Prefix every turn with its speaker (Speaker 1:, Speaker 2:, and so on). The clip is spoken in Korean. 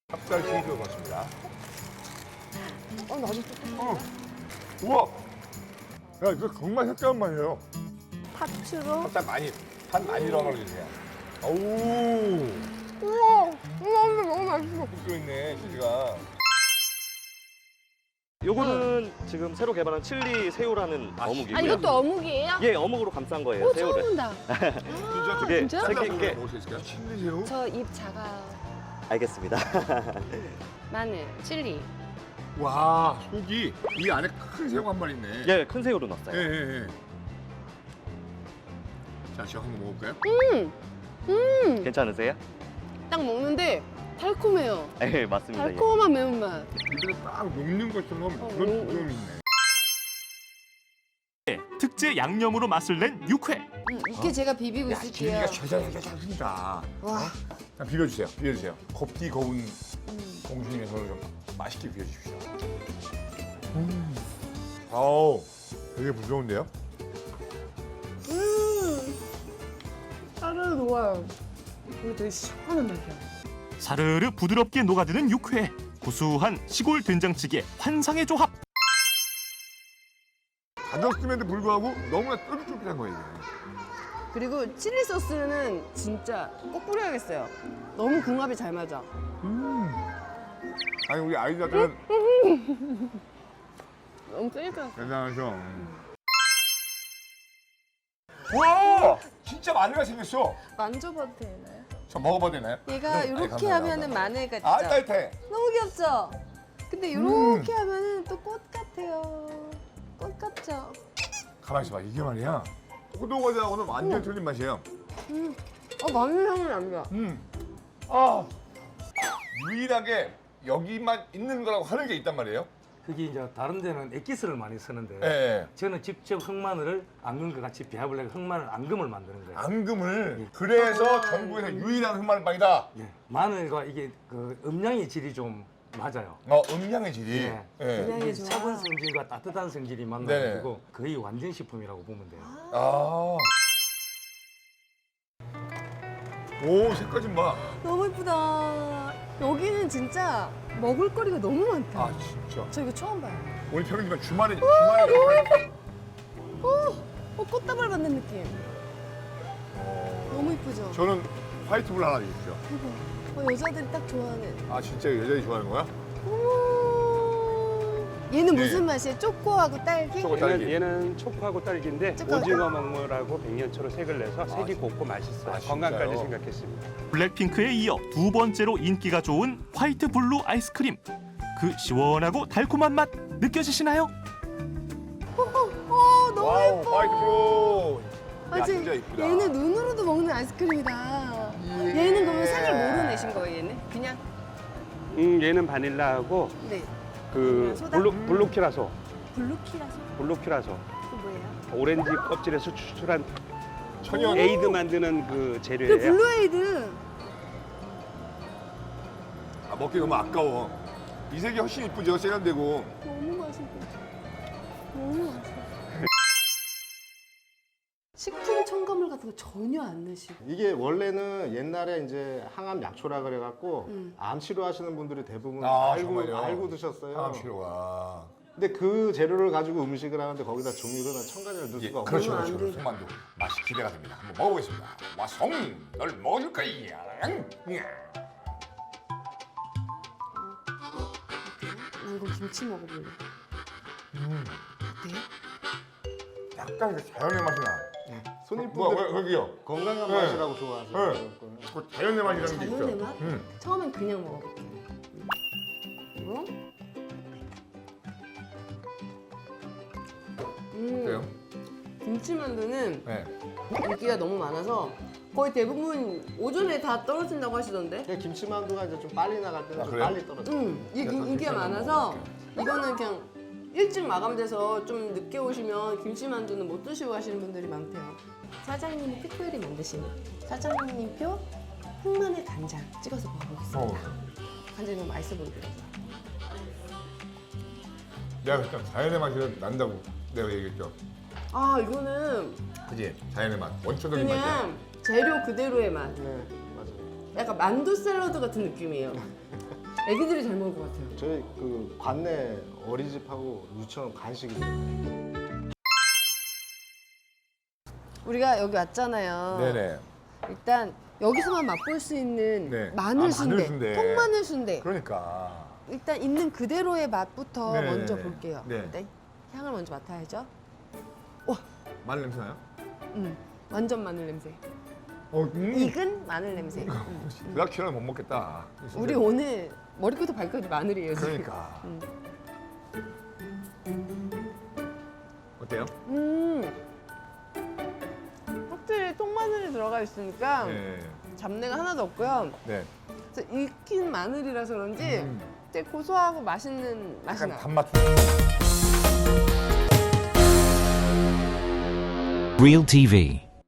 Speaker 1: 찹쌀 치즈 넣었습니다.
Speaker 2: 나도
Speaker 1: 우와! 야, 이거 정말 색다른 맛이에요.
Speaker 2: 파추로.
Speaker 1: 찹쌀 많이, 판 많이 넣어주세요. 오우!
Speaker 2: 우와, 너무 맛있어.
Speaker 1: 있네, 치즈가.
Speaker 3: 요거는 지금 새로 개발한 칠리 새우라는 어묵이고요.
Speaker 2: 아, 이것도 어묵이에요?
Speaker 3: 예, 어묵으로 감싼 거예요,
Speaker 2: 오,
Speaker 3: 새우를.
Speaker 2: 처음 본다.
Speaker 1: 진짜?
Speaker 3: 그게
Speaker 2: 진짜?
Speaker 3: 생긴 게
Speaker 1: 먹을 수 있을까요? 칠리 새우?
Speaker 2: 저 입 작아.
Speaker 3: 알겠습니다.
Speaker 2: 마늘, 칠리.
Speaker 1: 와, 속이 이 안에 큰 새우가 한 마리 있네.
Speaker 3: 예, 큰 새우로
Speaker 1: 예,
Speaker 3: 넣었어요.
Speaker 1: 예, 예. 자, 제가 한번 먹어볼까요?
Speaker 3: 괜찮으세요?
Speaker 2: 딱 먹는데 달콤해요.
Speaker 3: 예, 맞습니다. 예.
Speaker 2: 달콤한 매운맛.
Speaker 1: 입에 딱 녹는 것처럼 그런 부분이 있네.
Speaker 4: 특제 양념으로 맛을 낸 육회.
Speaker 2: 이게 제가 비비고
Speaker 1: 야,
Speaker 2: 있을게요.
Speaker 1: 기름기가 잘 흐른다.
Speaker 2: 와.
Speaker 1: 자, 비벼주세요, 비벼주세요. 곱디 거운 공주님의 손을 좀 맛있게 비벼주십시오. 아우, 되게 부드러운데요?
Speaker 2: 살은 좋아요. 이거 되게 시원한 맛이야.
Speaker 4: 사르르 부드럽게 녹아드는 육회. 구수한 시골 된장찌개 환상의 조합.
Speaker 1: 가졌음에도 불구하고 너무나 쫄깃쫄깃한 거예요, 이게.
Speaker 2: 그리고 칠리 소스는 진짜 꼭 뿌려야겠어요. 너무 궁합이 잘 맞아.
Speaker 1: 아니, 우리 아이들한테는
Speaker 2: 너무 쫄깃해.
Speaker 1: 대단하죠. 와! 진짜 마늘가 생겼어.
Speaker 2: 만져봐도 되나요?
Speaker 1: 저 먹어봐도 되나요?
Speaker 2: 얘가
Speaker 1: 아이,
Speaker 2: 이렇게
Speaker 1: 감사합니다.
Speaker 2: 하면은 마늘 같죠?
Speaker 1: 아, 따뜻해.
Speaker 2: 너무 귀엽죠? 근데 이렇게 하면은 또 꽃 같아요. 꽃 같죠?
Speaker 1: 가만히 있어봐, 이게 말이야. 포도과자하고는 완전 틀린 맛이에요.
Speaker 2: 마늘 향이 납니다.
Speaker 1: 아, 유일하게 여기만 있는 거라고 하는 게 있단 말이에요.
Speaker 5: 그게 이제 다른 데는 액기스를 많이 쓰는데
Speaker 1: 예.
Speaker 5: 저는 직접 흑마늘을 앙금과 같이 배합을 해서 흑마늘 앙금을 만드는 거예요.
Speaker 1: 앙금을 그래서 전국에서 유일한 흑마늘빵이다.
Speaker 5: 예. 마늘과 이게 그 음양의 질이 좀 맞아요.
Speaker 1: 음양의 질이.
Speaker 5: 예.
Speaker 1: 예.
Speaker 2: 음양이
Speaker 5: 이게
Speaker 2: 좋아.
Speaker 5: 차가운 성질과 따뜻한 성질이
Speaker 1: 네네.
Speaker 5: 만나가지고 거의 완전 식품이라고 보면 돼요.
Speaker 1: 아. 오, 색깔 좀 봐.
Speaker 2: 너무 예쁘다. 여기는 진짜 먹을거리가 너무 많다.
Speaker 1: 아, 진짜.
Speaker 2: 저 이거 처음 봐요.
Speaker 1: 오늘 평일이면 주말에.
Speaker 2: 꽃다발 받는 느낌. 너무 예쁘죠?
Speaker 1: 저는 화이트볼 하나 주십시오.
Speaker 2: 여자들이 딱 좋아하는.
Speaker 1: 아, 진짜 여자들이 좋아하는 거야?
Speaker 2: 얘는
Speaker 1: 네.
Speaker 2: 무슨 맛이에요? 초코하고 딸기?
Speaker 1: 초코 딸기.
Speaker 6: 얘는 초코하고 딸기인데
Speaker 2: 초코하고
Speaker 6: 오징어 먹물하고 백년초로 색을 내서 색이
Speaker 1: 진짜?
Speaker 6: 곱고 맛있어요.
Speaker 1: 아,
Speaker 6: 건강까지
Speaker 1: 진짜요?
Speaker 6: 생각했습니다.
Speaker 4: 블랙핑크에 이어 두 번째로 인기가 좋은 화이트 블루 아이스크림. 그 시원하고 달콤한 맛 느껴지시나요?
Speaker 2: 너무
Speaker 1: 와우,
Speaker 2: 예뻐.
Speaker 1: 화이트볼. 야,
Speaker 2: 맞지?
Speaker 1: 진짜 이쁘다.
Speaker 2: 얘는 눈으로도 먹는 아이스크림이다. 얘는 그러면 색을 뭐로 내신 거예요, 얘는? 그냥?
Speaker 6: 얘는 바닐라하고
Speaker 2: 네.
Speaker 6: 그
Speaker 2: 소다?
Speaker 6: 블루키라소,
Speaker 2: 블루키라서?
Speaker 6: 블루키라소,
Speaker 2: 그 뭐예요?
Speaker 6: 오렌지 껍질에서 추출한
Speaker 1: 천연.
Speaker 6: 에이드 만드는 그
Speaker 2: 그
Speaker 6: 재료예요.
Speaker 2: 블루에이드.
Speaker 1: 아, 먹기 너무 아까워. 이 색이 훨씬 이쁘죠, 세련되고.
Speaker 2: 너무 맛있어. 너무 맛있어. 식품 첨가물 같은 거 전혀 안 넣으시고.
Speaker 7: 이게 원래는 옛날에 이제 항암 약초라 그래갖고 암 치료하시는 분들이 대부분
Speaker 1: 아,
Speaker 7: 알고
Speaker 1: 정말요?
Speaker 7: 알고 드셨어요.
Speaker 1: 항암 치료가.
Speaker 7: 근데 그 재료를 가지고 음식을 하는데 거기다 종류를 첨가제를 넣을
Speaker 1: 예,
Speaker 7: 수가 없어요.
Speaker 1: 그렇죠,
Speaker 2: 안
Speaker 1: 그렇죠.
Speaker 2: 돼.
Speaker 1: 송만두. 맛이 기대가 됩니다. 한번 먹어보겠습니다. 와송, 널 먹어줄 거야.
Speaker 2: 이거 김치 먹어볼래. 어때?
Speaker 1: 약간 그 자연의 맛이 나.
Speaker 7: 손님분들
Speaker 1: 여기요?
Speaker 7: 건강한
Speaker 1: 네.
Speaker 7: 맛이라고 좋아하세요.
Speaker 1: 네. 그 자연의 맛이라는 게 있죠.
Speaker 2: 자연의 맛? 처음엔 그냥 먹어볼게요. 이거?
Speaker 1: 어때요?
Speaker 2: 김치만두는
Speaker 1: 네.
Speaker 2: 인기가 너무 많아서 거의 대부분 오전에 다 떨어진다고 하시던데?
Speaker 7: 이게 김치만두가 이제 좀 빨리 나갈 때는
Speaker 1: 아,
Speaker 7: 좀
Speaker 1: 그래요?
Speaker 7: 빨리 떨어져요.
Speaker 2: 인기가 많아서 이거는 그냥 일찍 마감돼서 좀 늦게 오시면 김치만두는 못 드시고 가시는 분들이 많대요. 사장님이 특별히 만드신 사장님표 흑마늘 간장 찍어서 먹어보겠습니다. 간장이 너무 맛있어 보이더라고요.
Speaker 1: 내가 일단 자연의 맛이 난다고 내가 얘기했죠.
Speaker 2: 아 이거는
Speaker 1: 그지? 자연의 맛, 원초적인 맛이야.
Speaker 2: 그냥 재료 그대로의 맛.
Speaker 7: 네, 맞아요.
Speaker 2: 약간 만두 샐러드 같은 느낌이에요. 애기들이 잘 먹을 것 같아요.
Speaker 7: 저희 그 관내 어린이집하고 유치원 간식이에요.
Speaker 2: 우리가 여기 왔잖아요.
Speaker 1: 네네.
Speaker 2: 일단 여기서만 맛볼 수 있는
Speaker 1: 네.
Speaker 2: 마늘
Speaker 1: 아,
Speaker 2: 순대,
Speaker 1: 마늘 순대.
Speaker 2: 통마늘 순대.
Speaker 1: 그러니까.
Speaker 2: 일단 있는 그대로의 맛부터
Speaker 1: 네.
Speaker 2: 먼저 볼게요.
Speaker 1: 네.
Speaker 2: 일단 향을 먼저 맡아야죠.
Speaker 1: 마늘 냄새 나요?
Speaker 2: 완전 마늘 냄새. 익은 마늘 냄새.
Speaker 1: 불닭튀는 못 먹겠다.
Speaker 2: 우리 오늘 머리부터 발끝까지 마늘이에요. 지금.
Speaker 1: 그러니까. 어때요?
Speaker 2: 확실히 통마늘이 들어가 있으니까
Speaker 1: 네.
Speaker 2: 잡내가 하나도 없고요.
Speaker 1: 네.
Speaker 2: 그래서 익힌 마늘이라서 그런지 되게 고소하고 맛있는 맛이
Speaker 1: 약간
Speaker 2: 나요.
Speaker 1: 단맛.
Speaker 8: Real TV.